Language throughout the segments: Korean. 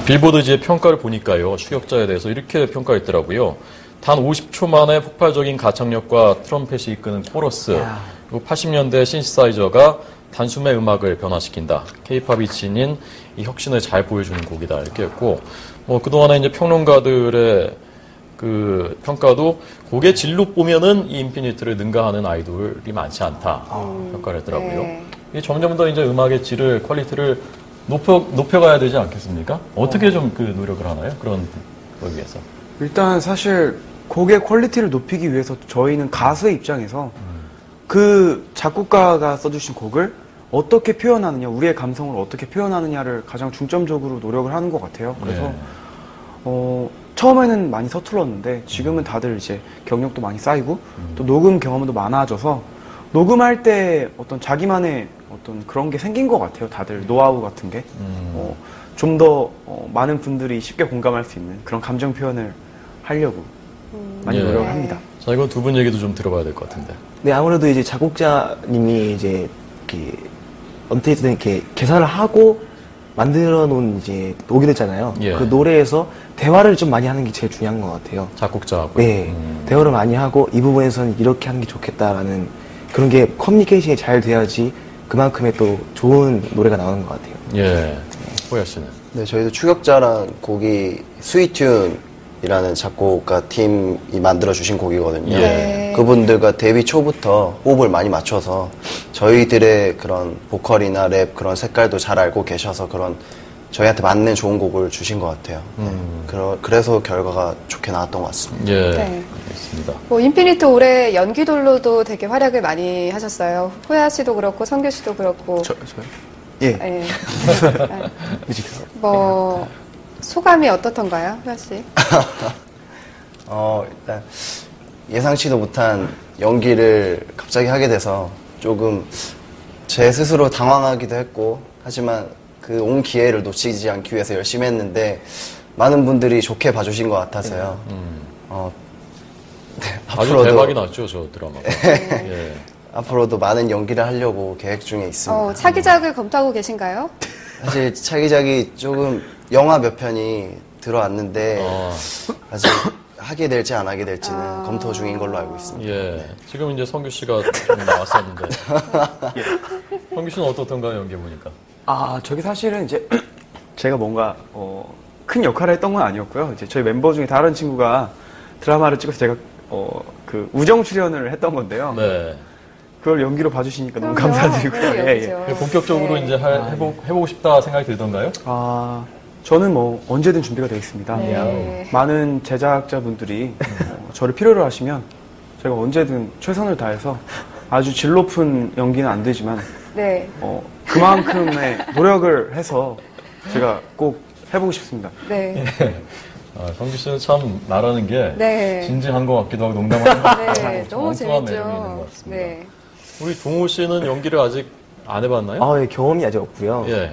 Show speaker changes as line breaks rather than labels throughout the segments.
빌보드지의 평가를 보니까요. 추격자에 대해서 이렇게 평가했더라고요. 단 50초 만에 폭발적인 가창력과 트럼펫이 이끄는 코러스, 그리고 80년대 신시사이저가 단숨에 음악을 변화시킨다. K-팝이 지닌 이 혁신을 잘 보여주는 곡이다. 이렇게 했고, 그동안에 이제 평론가들의 그 평가도 곡의 질로 보면은 이 인피니트를 능가하는 아이돌이 많지 않다. 평가를 했더라고요.
네.
이게 점점 더 이제 음악의 질을, 퀄리티를 높여가야 되지 않겠습니까? 어떻게 좀 그 노력을 하나요? 그런 걸 위해서.
일단 사실 곡의 퀄리티를 높이기 위해서 저희는 가수의 입장에서 그 작곡가가 써주신 곡을 어떻게 표현하느냐, 우리의 감성을 어떻게 표현하느냐를 가장 중점적으로 노력을 하는 것 같아요. 그래서 처음에는 많이 서툴렀는데 지금은 다들 이제 경력도 많이 쌓이고 또 녹음 경험도 많아져서 녹음할 때 어떤 자기만의 어떤 그런 게 생긴 것 같아요. 다들 노하우 같은 게. 좀 더 많은 분들이 쉽게 공감할 수 있는 그런 감정 표현을 하려고 많이 노력을 합니다.
자, 이거 두 분 얘기도 좀 들어봐야 될 것 같은데.
네, 아무래도 이제 작곡자님이 이제 이렇게 어떻게든 이렇게 계산을 하고 만들어 놓은 이제 곡이 있잖아요.
예.
그 노래에서 대화를 좀 많이 하는 게 제일 중요한 것 같아요.
작곡자하고.
네, 대화를 많이 하고 이 부분에서는 이렇게 하는 게 좋겠다라는 그런 게 커뮤니케이션이 잘 돼야지 그만큼의 또 좋은 노래가 나오는 것 같아요.
예. 호야 씨는?
네, 저희도 추격자란 곡이 스위튠이라는 작곡가 팀이 만들어주신 곡이거든요.
네.
그분들과 데뷔 초부터 호흡을 많이 맞춰서 저희들의 그런 보컬이나 랩 그런 색깔도 잘 알고 계셔서 그런 저희한테 맞는 좋은 곡을 주신 것 같아요. 그래서 결과가 좋게 나왔던 것 같습니다.
예.
네.
알겠습니다.
인피니트 올해 연기돌로도 되게 활약을 많이 하셨어요. 호야 씨도 그렇고 성규 씨도 그렇고.
저요? 예.
예. 소감이 어떻던가요, 호야 씨?
일단 예상치도 못한 연기를 갑자기 하게 돼서 조금 제 스스로 당황하기도 했고, 하지만 그 온 기회를 놓치지 않기 위해서 열심히 했는데 많은 분들이 좋게 봐주신 것 같아서요. 네,
아주 대박이 났죠, 저 드라마가. 예.
앞으로도 많은 연기를 하려고 계획 중에 있습니다.
차기작을 검토하고 계신가요?
사실 차기작이 조금 영화 몇 편이 들어왔는데 아직 하게 될지 안 하게 될지는 검토 중인 걸로 알고 있습니다.
예. 지금 이제 성규 씨가 좀 나왔었는데. 성규 씨는 어떻던가요, 연기 보니까?
저게 사실은 이제 제가 뭔가 큰 역할을 했던 건 아니었고요. 이제 저희 멤버 중에 다른 친구가 드라마를 찍어서 제가 그 우정 출연을 했던 건데요.
네.
그걸 연기로 봐주시니까 너무
그럼요.
감사드리고요.
그런
예,
연기죠.
본격적으로
네.
이제 해보고 싶다 생각이 들던가요?
저는 뭐 언제든 준비가 되어 있습니다.
네.
많은 제작자분들이 저를 필요로 하시면 제가 언제든 최선을 다해서 아주 질 높은 연기는 안 되지만
네.
그만큼의 노력을 해서 제가 꼭 해보고 싶습니다.
네.
성규 씨는 참 말하는 게
네.
진지한 것 같기도 하고 농담하는 것 같기도 하고
네. 너무
엉뚱한 매력이 있는
재밌죠.
것 같습니다.
네.
우리 동호 씨는 연기를 아직 안 해봤나요?
예, 경험이 아직 없고요.
예.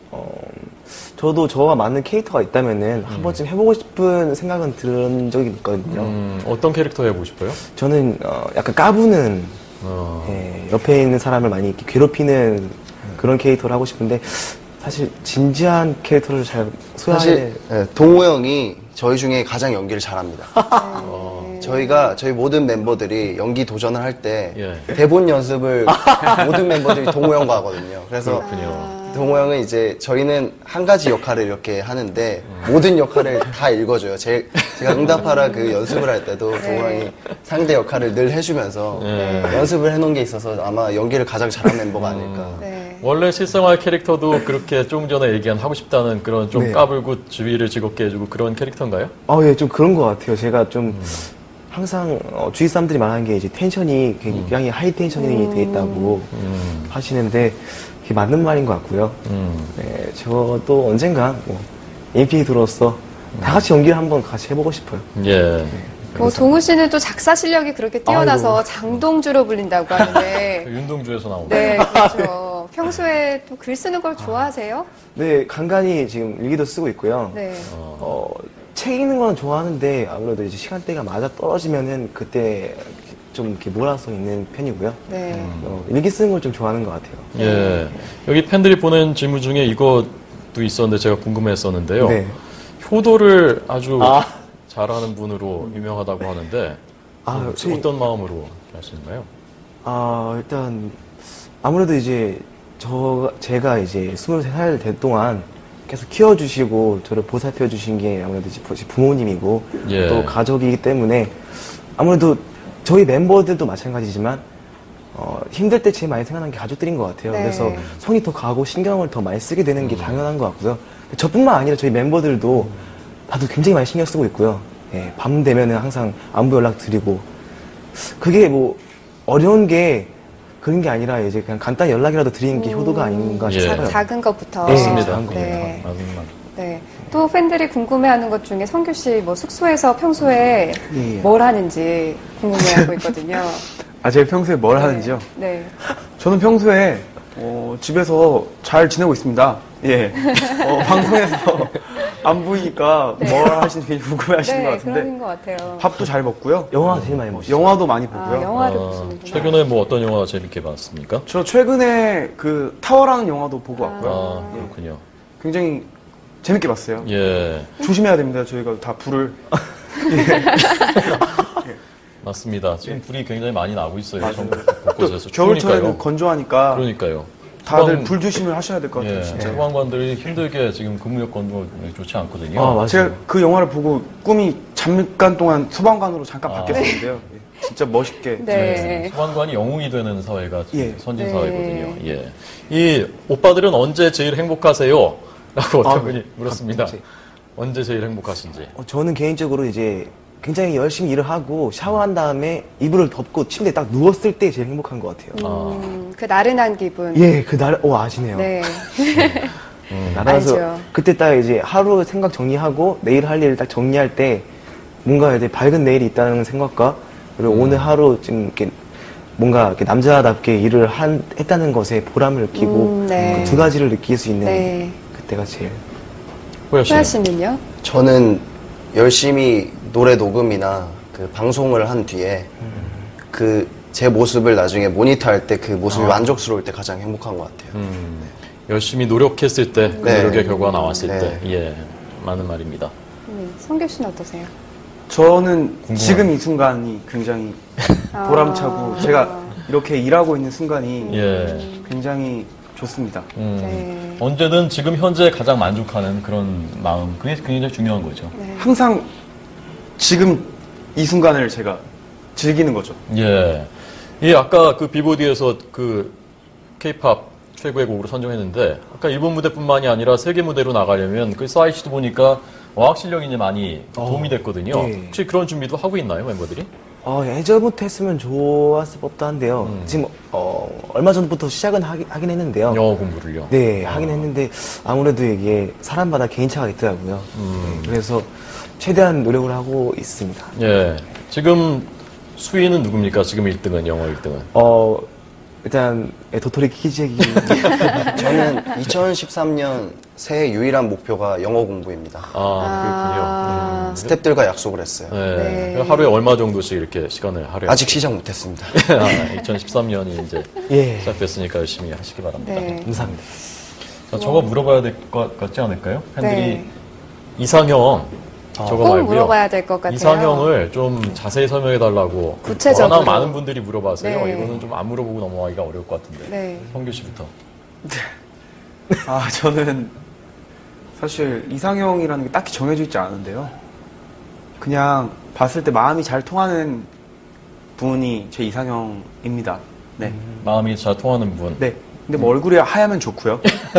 저도 저와 맞는 캐릭터가 있다면은 한 번쯤 해보고 싶은 생각은 들은 적이 있거든요.
어떤 캐릭터 해보고 싶어요?
저는 약간 까부는 옆에 있는 사람을 많이 이렇게 괴롭히는 그런 캐릭터를 하고 싶은데 사실 진지한 캐릭터를 잘 소화해.
사실 동호 형이 저희 중에 가장 연기를 잘합니다. 저희 모든 멤버들이 연기 도전을 할 때 대본 연습을 모든 멤버들이 동호 형과 하거든요. 그래서 동호 형은 이제 저희는 한 가지 역할을 이렇게 하는데 모든 역할을 다 읽어줘요. 제가 응답하라 그 연습을 할 때도 동호 형이 상대 역할을 늘 해주면서 연습을 해놓은 게 있어서 아마 연기를 가장 잘한 멤버가 아닐까.
네.
원래 실생활 캐릭터도 그렇게 조금 전에 얘기한 하고 싶다는 그런 좀 까불고 주위를 즐겁게 해주고 그런 캐릭터인가요?
예, 좀 그런 것 같아요. 제가 좀 항상 주위 사람들이 말하는 게 이제 텐션이 굉장히 하이 텐션이 돼 있다고 하시는데 그게 맞는 말인 것 같고요. 네, 저도 언젠가 인피니트로서 다 같이 연기를 한번 같이 해보고 싶어요.
예.
동우 씨는 또 작사 실력이 그렇게 뛰어나서 장동주로 불린다고 하는데.
윤동주에서 나온
네, 그렇죠. 평소에 또 글 쓰는 걸 좋아하세요?
네, 간간히 지금 일기도 쓰고 있고요.
네.
책 읽는 건 좋아하는데 아무래도 이제 시간대가 맞아 떨어지면은 그때 좀 이렇게 몰아서 있는 편이고요.
네.
일기 쓰는 걸 좀 좋아하는 것 같아요.
예. 여기 팬들이 보낸 질문 중에 이거 있었는데 제가 궁금했었는데요.
네.
효도를 아주
아.
잘하는 분으로 유명하다고 하는데 어떤 마음으로 하시나요?
일단 아무래도 이제 제가 이제 23살 될 동안 계속 키워주시고 저를 보살펴 주신 게 아무래도 이제 부모님이고
예.
또 가족이기 때문에 아무래도 저희 멤버들도 마찬가지지만 힘들 때 제일 많이 생각나는 게 가족들인 것 같아요.
네.
그래서 손이 더 가고 신경을 더 많이 쓰게 되는 게 당연한 것 같고요. 저뿐만 아니라 저희 멤버들도 다들 굉장히 많이 신경 쓰고 있고요. 예, 밤 되면은 항상 안부 연락 드리고 그게 뭐 어려운 게 그런 게 아니라 이제 그냥 간단히 연락이라도 드리는 게 효도가 아닌가
예.
싶어요.
작은 것부터.
네,
맞습니다.
작은
네.
맞습니다.
네. 또 팬들이 궁금해하는 것 중에 성규 씨 뭐 숙소에서 평소에
예.
뭘 하는지 궁금해하고 있거든요.
제가 평소에 뭘
네.
하는지요?
네.
저는 평소에 집에서 잘 지내고 있습니다. 예. 방송에서 안 보이니까
네.
뭘 하시는지 굉장히 궁금해 하시는 것
네,
같은데
그런 것 같아요.
밥도 잘 먹고요.
영화 제일 많이 보시죠.
영화도 많이 보고요.
영화를 보시는구나.
최근에 뭐 어떤 영화 재밌게 봤습니까?
저 최근에 그 타워라는 영화도 보고 왔고요.
그렇군요.
굉장히 재밌게 봤어요.
예,
조심해야 됩니다. 저희가 다 불을
맞습니다. 지금 불이 굉장히 많이 나고 있어요.
맞아요.
전국
또
곳곳에서
겨울철에는
추우니까요.
건조하니까
그러니까요.
다들 불 조심을 하셔야 될 것 같아요.
예,
진짜.
소방관들이 힘들게 지금 근무 여건도 좋지 않거든요.
맞아요.
제가 그 영화를 보고 꿈이 잠깐 동안 소방관으로 잠깐 바뀌었었는데요. 예, 진짜 멋있게.
네.
소방관이 영웅이 되는 사회가 지금
예.
선진
네.
사회거든요. 예. 이 오빠들은 언제 제일 행복하세요? 라고 어떤 분이 물었습니다.
갑자기.
언제 제일 행복하신지.
저는 개인적으로 이제 굉장히 열심히 일을 하고 샤워한 다음에 이불을 덮고 침대에 딱 누웠을 때 제일 행복한 것 같아요.
그 나른한 기분.
예, 그날, 아시네요.
네.
나라서
알죠.
그때 딱 이제 하루 생각 정리하고 내일 할 일을 딱 정리할 때 뭔가 이제 밝은 내일이 있다는 생각과 그리고 오늘 하루 좀 이렇게 뭔가 이렇게 남자답게 일을 했다는 것에 보람을 느끼고
네.
그 두 가지를 느낄 수 있는
네.
그때가 제일.
호야 씨.
호야 씨는요?
저는 열심히 노래 녹음이나 그 방송을 한 뒤에 그 제 모습을 나중에 모니터할 때 그 모습이 만족스러울 때 가장 행복한 것 같아요.
열심히 노력했을 때, 그
네.
노력의 결과가 나왔을
네.
때, 예, 맞는 말입니다.
성규 씨는 어떠세요?
저는 지금 이 순간이 굉장히 보람차고 제가 이렇게 일하고 있는 순간이
예.
굉장히 좋습니다.
네.
언제든 지금 현재 가장 만족하는 그런 마음, 그게 굉장히 중요한 거죠.
네.
항상 지금 이 순간을 제가 즐기는 거죠.
예. 이 아까 그 비보디에서 그 K-팝 최고의 곡으로 선정했는데 아까 일본 무대뿐만이 아니라 세계 무대로 나가려면 그 사이트도 보니까 어학 실력이 이제 많이 도움이 됐거든요.
네.
혹시 그런 준비도 하고 있나요, 멤버들이?
예전부터 했으면 좋았을 법도 한데요. 지금 얼마 전부터 시작은 하긴 했는데요.
영어 공부를요.
네, 하긴 했는데 아무래도 이게 사람마다 개인차가 있더라고요. 네, 그래서 최대한 노력을 하고 있습니다.
예. 지금 수위는 누굽니까? 지금 1등은, 영어 1등은.
일단 도토리 키즈기
저는 2013년 새해 유일한 목표가 영어 공부입니다.
그렇군요.
스태프들과 약속을 했어요.
네.
네.
하루에 얼마 정도씩 이렇게 시간을 할애하세요?
아직 시작 못했습니다.
2013년이 이제
예,
시작됐으니까 열심히 하시기 바랍니다.
네.
감사합니다.
자, 저거 물어봐야 될 것 같지 않을까요? 팬들이
네.
이상형 저거
꼭
말고요.
물어봐야 될 것 같아요.
이상형을 좀 자세히 설명해 달라고
구체적으로.
워낙 많은 분들이 물어봐서요.
네.
이거는 좀 안 물어보고 넘어가기가 어려울 것 같은데.
네.
성규 씨부터.
저는 사실 이상형이라는 게 딱히 정해져 있지 않은데요. 그냥 봤을 때 마음이 잘 통하는 분이 제 이상형입니다. 네.
마음이 잘 통하는 분.
네. 근데 뭐 얼굴이 하얗면 좋고요.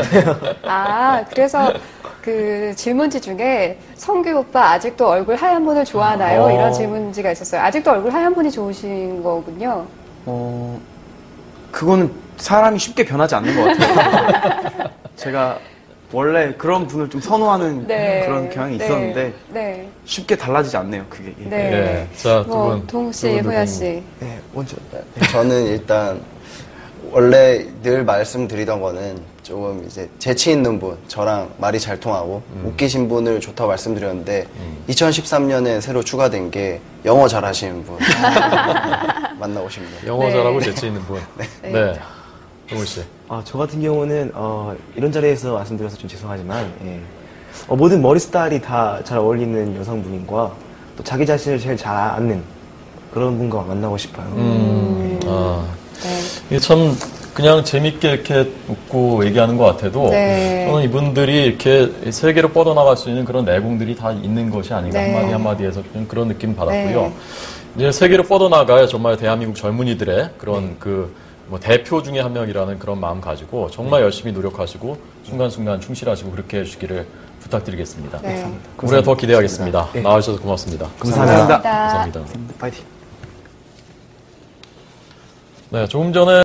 그래서 그 질문지 중에 성규 오빠 아직도 얼굴 하얀 분을 좋아하나요? 이런 질문지가 있었어요. 아직도 얼굴 하얀 분이 좋으신 거군요.
그거는 사람이 쉽게 변하지 않는 것 같아요. 제가 원래 그런 분을 좀 선호하는
네.
그런 경향이
네.
있었는데
네.
쉽게 달라지지 않네요, 그게. 예.
네.
네. 자, 두
뭐,
분.
동욱 씨,
두 분,
호야
두 분.
씨.
네, 먼저.
저는 일단 원래 늘 말씀드리던 거는 조금 이제 재치 있는 분, 저랑 말이 잘 통하고 웃기신 분을 좋다고 말씀드렸는데 2013년에 새로 추가된 게 영어 잘하시는 분 만나고 싶네요.
영어
네.
잘하고 재치 있는 분. 네. 동훈 씨.
저 같은 경우는 이런 자리에서 말씀드려서 좀 죄송하지만 예. 모든 머리 스타일이 다 잘 어울리는 여성분과 또 자기 자신을 제일 잘 아는 그런 분과 만나고 싶어요.
네.
이게 참 그냥 재밌게 이렇게 웃고 얘기하는 것 같아도
네.
저는 이분들이 이렇게 세계로 뻗어나갈 수 있는 그런 내공들이 다 있는 것이 아닌가
네.
한마디 한마디에서 좀 그런 느낌 받았고요.
네.
이제 세계로 뻗어나갈 정말 대한민국 젊은이들의 그런 뭐 대표 중에 한 명이라는 그런 마음 가지고 정말 열심히 노력하시고 순간순간 충실하시고 그렇게 해주시기를 부탁드리겠습니다.
네.
우리가 더 기대하겠습니다.
네.
나와주셔서 고맙습니다.
감사합니다.
감사합니다.
파이팅.
네, 조금 전에